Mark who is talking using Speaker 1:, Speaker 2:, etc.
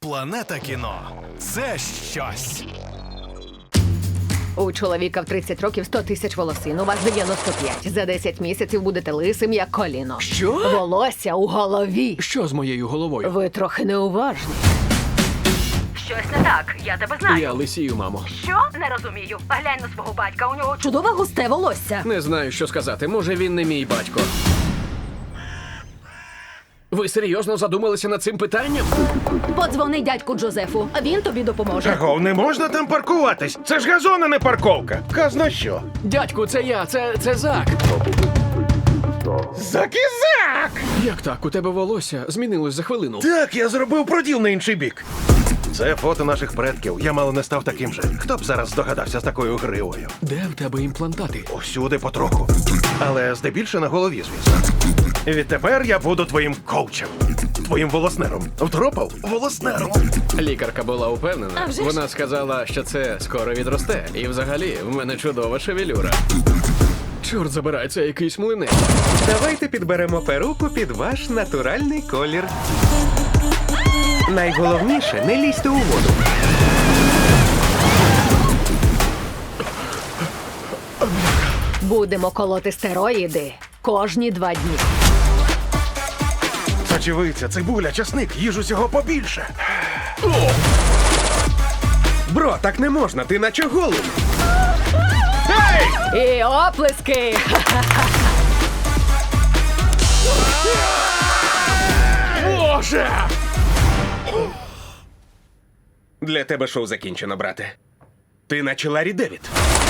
Speaker 1: Планета кіно – це щось.
Speaker 2: У чоловіка в 30 років 100 тисяч волосин, у вас 95. За 10 місяців будете лисим, як коліно.
Speaker 3: Що?
Speaker 2: Волосся у голові.
Speaker 3: Що з моєю головою?
Speaker 2: Ви трохи неуважні. Щось не так, я тебе знаю.
Speaker 3: Я лисію, мамо.
Speaker 2: Що? Не розумію. Глянь на свого батька, у нього чудове густе волосся.
Speaker 3: Не знаю, що сказати. Може, він не мій батько. Ви серйозно задумалися над цим питанням?
Speaker 2: Подзвони дядьку Джозефу, а він тобі допоможе.
Speaker 4: Чого, не можна там паркуватись? Це ж газон, а не парковка. Казна що?
Speaker 3: Дядьку, це я, це Зак.
Speaker 4: Закізак!
Speaker 3: Як так? У тебе волосся змінилось за хвилину.
Speaker 4: Так, я зробив проділ на інший бік. Це фото наших предків. Я мало не став таким же. Хто б зараз здогадався з такою гривою?
Speaker 3: Де в тебе імплантати?
Speaker 4: Усюди потроху. Але здебільше на голові, звісно. Відтепер я буду твоїм коучем. Твоїм волоснером. Втропав? Волоснером.
Speaker 3: Лікарка була упевнена. Вона сказала, що це скоро відросте. І взагалі, в мене чудова шевелюра. Чорт забирай, це якийсь млинець.
Speaker 5: Давайте підберемо перуку під ваш натуральний колір. Найголовніше, не лізьте у воду.
Speaker 2: Будемо колоти стероїди кожні 2 дні.
Speaker 4: Сочевиця, цибуля, часник, їж усього побільше.
Speaker 5: Бро, так не можна, ти наче голий.
Speaker 2: І оплески!
Speaker 3: Боже!
Speaker 5: Для тебе шоу закінчено, брате. Ти наче Ларі Девід.